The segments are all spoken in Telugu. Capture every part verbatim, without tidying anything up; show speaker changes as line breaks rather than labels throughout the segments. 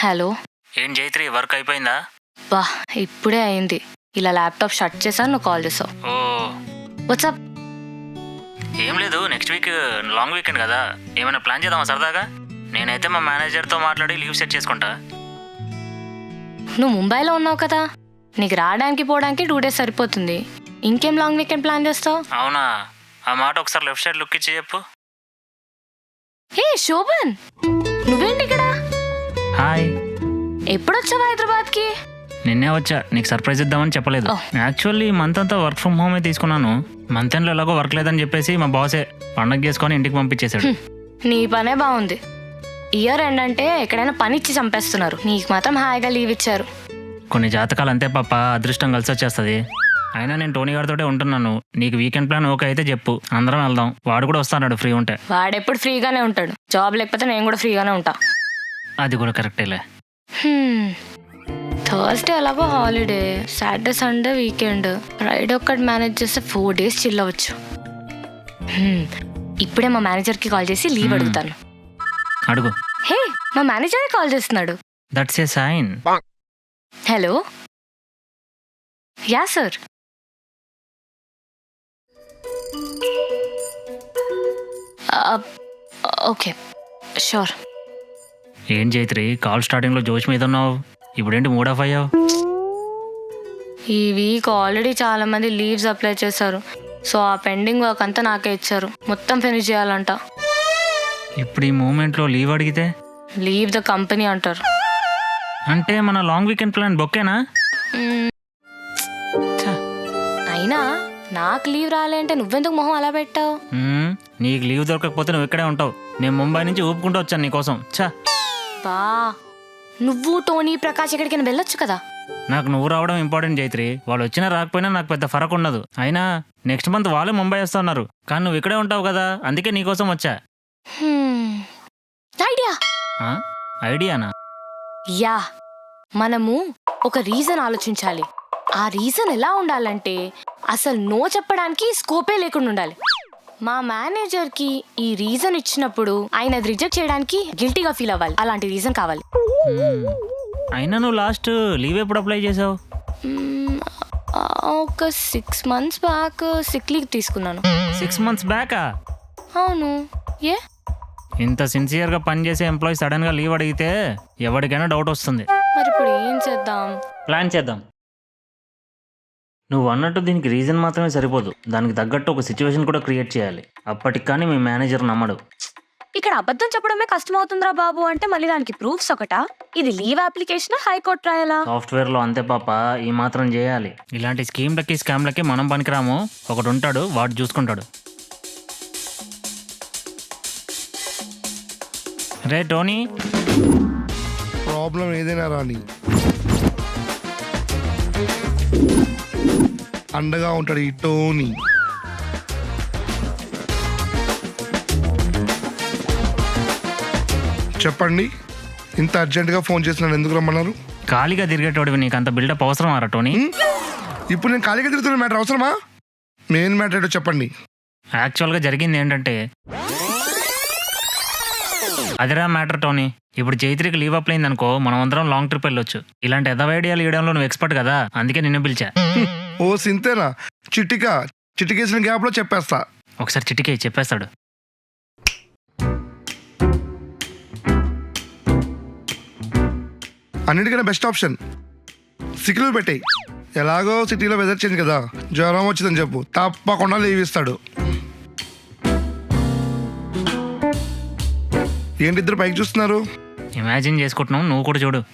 హలో.
ఏం జైత్రి, వర్క్ అయిపోయిందా?
బా ఇప్పుడే అయింది. ఇలా ల్యాప్టాప్ షట్ చేశాను, నువ్వు కాల్ చేసావు.
ఓ
వాట్సాప్?
ఏం లేదు, నెక్స్ట్ వీక్ లాంగ్ వీకెండ్ కదా, ఏమైనా ప్లాన్ చేద్దామా సరదాగా? నేనైతే మా మేనేజర్తో మాట్లాడి లీవ్ సెట్ చేసుకుంటా.
నువ్వు ముంబైలో ఉన్నావు కదా, నీకు రావడానికి పోవడానికి టూ డేస్ సరిపోతుంది. ఇంకేం లాంగ్ వీకెండ్ ప్లాన్ చేస్తావు?
అవునా, ఆ మాట ఒకసారి లెఫ్ట్ సైడ్ లుక్ ఇచ్చి చెప్పు.
హే శోభన్, నువ్వేంటి ఇక్కడ?
హాయ్.
ఎప్పుడొచ్చావు హైదరాబాద్కి?
నిన్నే వచ్చా, నీకు సర్ప్రైజ్ ఇద్దామని చెప్పలేదు. యాక్చువల్లీ మంత్ అంతా వర్క్ ఫ్రమ్ హోమే తీసుకున్నాను. మంత్ ఎండ్లో ఎలాగో వర్క్ లేదని చెప్పేసి మా బాసే పండగ చేసుకొని ఇంటికి పంపించేశాడు.
నీ పనే బాగుంది. ఇయర్ ఎండ్ అంటే ఎక్కడైనా పని ఇచ్చి చంపేస్తున్నారు, నీకు మాత్రం హాయిగా లీవ్ ఇచ్చారు.
కొన్ని జాతకాలు అంతే పాప, అదృష్టం కలిసి వచ్చేస్తుంది. అయినా నేను టోనీ గారితోటే ఉంటున్నాను. నీకు వీకెండ్ ప్లాన్ ఓకే అయితే చెప్పు, అందరం వెళ్దాం. వాడు కూడా వస్తాడు ఫ్రీ ఉంటే.
వాడెప్పుడు ఫ్రీగానే ఉంటాడు, జాబ్ లేకపోతే నేను కూడా ఫ్రీగానే ఉంటా.
అది కూడా కరెక్టేలే.
థర్స్డే ఎలాగో holiday, Saturday Sunday weekend, Friday ఒక్కటి మేనేజ్ చేస్తే ఫోర్ డేస్ చిల్ అవ్వచ్చు. ఇప్పుడే మా మేనేజర్కి కాల్ చేసి లీవ్ అడుగుతాను.
అడుగు.
హే, మా మేనేజరే కాల్ చేస్తున్నాడు.
That's a sign.
Hello. Yeah sir. Okay sure.
ఏం జైత్రి, కాల్ స్టార్టింగ్లో జోష్ మీద ఉన్నావు, ఇప్పుడేంటి మూడ్ ఆఫ్ అయ్యావు?
ఈ వీక్ ఆల్రెడీ చాలా మంది లీవ్స్ అప్లై చేశారు, సో ఆ పెండింగ్ వర్క్ అంతా నాకే ఇచ్చారు. మొత్తం ఫినిష్ చేయాలంట.
ఇప్పుడు ఈ మూమెంట్లో లీవ్ అడిగితే
లీవ్ ద కంపెనీ అంటారు.
అంటే మన లాంగ్ వీకెండ్ ప్లాన్ బొక్కేనా?
అయినా నాకు లీవ్ రాలే అంటే నువ్వెందుకు మొహం అలా పెట్టావు?
నీకు లీవ్ దొరకకపోతే నువ్వు ఇక్కడే ఉంటావు. నేను ముంబై నుంచి ఊపుకుంటూ వచ్చాను నీకోసం. చా
బా, నువ్వు టోనీ ప్రకాష్ ఎక్కడికైనా వెళ్ళొచ్చు కదా.
నాకు నువ్వు రావడం ఇంపార్టెంట్ జైత్రి. వాళ్ళు వచ్చినా రాకపోయినా నాకు పెద్ద ఫరక్ ఉండదు. అయినా నెక్స్ట్ మంత్ వాళ్ళే ముంబై వస్తున్నారు, కానీ నువ్వు ఇక్కడే ఉంటావు కదా, అందుకే నీకోసం వచ్చా.
ఐడియా.
ఐడియానా?
యా, మనము ఒక రీజన్ ఆలోచించాలి. ఆ రీజన్ ఎలా ఉండాలంటే అసలు నో చెప్పడానికి స్కోపే లేకుండా ఉండాలి. మా మేనేజర్కి ఈ రీజన్ ఇచ్చినప్పుడు ఆయన అది రిజెక్ట్ చేయడానికి గిల్టీగా ఫీల్ అవ్వాలి. అలాంటి రీజన్ కావాలి.
అయినా నువ్వు లాస్ట్ లీవ్ ఎప్పుడు అప్లై చేసావు?
ఒక six months back sick leave తీసుకున్నాను.
సిక్స్ మంత్స్ బ్యాకా?
అవును. ఏ
ఇంత సిన్సియర్గా పనిచేసే ఎంప్లాయీ సడన్గా లీవ్ అడిగితే ఎవరికైనా డౌట్ వస్తుంది.
మరి ఇప్పుడు ఏం చేద్దాం?
ప్లాన్ చేద్దాం. నువ్వు అన్నట్టు దీనికి రీజన్ మాత్రమే సరిపోదు, దానికి తగ్గట్టు ఒక సిచ్యువేషన్ కూడా క్రియేట్ చేయాలి. అప్పటికి కానీ మీ మేనేజర్ నమ్మడు.
ఇక్కడ అబద్ధం చెప్పడమే కష్టం అవుతుందిరా బాబు అంటే మళ్ళీ దానికి ప్రూఫ్స్ ఒకటా? ఇది లీవ్ అప్లికేషన్, హైకోర్టు రాయాలా?
సాఫ్ట్వేర్ లో అంతే పాప, ఈ మాత్రం చేయాలి. ఇలాంటి స్కీమ్లకి స్కామ్లకి మనం పనికిరాము. ఒకడు ఉంటాడు, వాడు చూసుకుంటాడు. రే టోనీ,
ప్రాబ్లం ఏదైనా రాని అండగా ఉంటాడు ఈ టోనీ. చెప్పండి, ఇంత అర్జెంటుగా ఫోన్ చేసినాను, ఎందుకు రమ్మన్నారు?
ఖాళీగా తిరిగేటోడివి, నీకు అంత బిల్డప్ అవసరమా రా టోనీ?
ఇప్పుడు నేను ఖాళీగా తిరుగుతున్న మ్యాటర్ అవసరమా? మెయిన్ మ్యాటర్ ఏంటో చెప్పండి.
యాక్చువల్గా జరిగింది ఏంటంటే, అదిరా మ్యాటర్ టోనీ. ఇప్పుడు జైత్రికి లీవ్ అప్లై అయింది అనుకో, మనం అందరం లాంగ్ ట్రిప్ వెళ్ళొచ్చు. ఇలాంటి ఎదవ ఐడియాలు ఇవ్వడంలో నువ్వు ఎక్స్పర్ట్ కదా, అందుకే నిన్ను పిలిచా.
ఓ సింతేనా? చిటిక చిటికేసిన గ్యాప్లో చెప్పేస్తా.
ఒకసారి చిటికే చెప్పేస్తాడు.
అన్నిటికన్నా బెస్ట్ ఆప్షన్ సిక్ లీవ్ పెట్టాయి. ఎలాగో సిటీలో వెదర్ చేంజ్ కదా, జ్వరం వచ్చిందని చెప్పు, తప్పకుండా లీవ్ ఇస్తాడు. ఏంటి ఇద్దరు పైకి చూస్తున్నారు?
ఇమాజిన్ చేసుకుంటున్నావు, నువ్వు కూడా చూడు.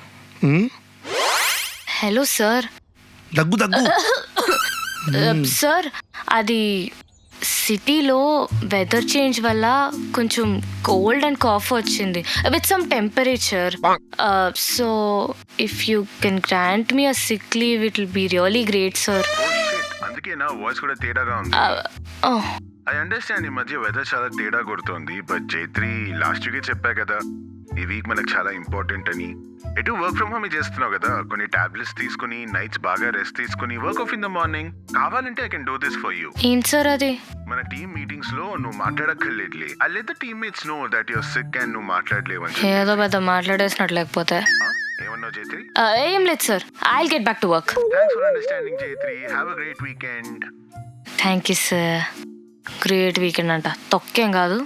Hello sir.
దగ్గు దగ్గు
సార్, అది సిటీలో వెదర్ చేంజ్ వల్ల కొంచెం కోల్డ్ అండ్ కాఫ్ వచ్చింది with some temperature. So if you can grant me a sick leave it will be really great sir.
అందుకే నా వాయిస్ కూడా తేడాగా ఉంది. ఐ అండర్స్టాండ్, ఈ మధ్య వెదర్ చాలా తేడా కొడుతోంది. బట్ జైత్రి లాస్ట్ వీకే చెప్పా కదా, ఈ వీక్ మనకు చాలా ఇంపార్టెంట్ అని. ఎటు వర్క్ ఫ్రమ్ హోమ్ చేస్తున్నావు కదా, కొన్ని టాబ్లెట్స్ తీసుకుని నైట్స్ బాగా రెస్ట్ తీసుకుని work off in the morning. కావాలంటే I can do this for you.
ఏంటి సార్ అది?
మన టీమ్ మీటింగ్స్ లో నువ్వు మాట్లాడక్కర్లేదులే. I let the teammates know that you're sick and నువ్వు మాట్లాడలేవని.
ఏదో పెద్ద మాట్లాడేసినట్లు లేకపోతే.
ఏమన్నావు జైత్రి?
ఆ, ఏం లేదు sir, I will get back to work.
Thanks for understanding Jaitri. Have a great weekend.
Thank you sir. Great weekend అంట, తొక్కేం కాదు.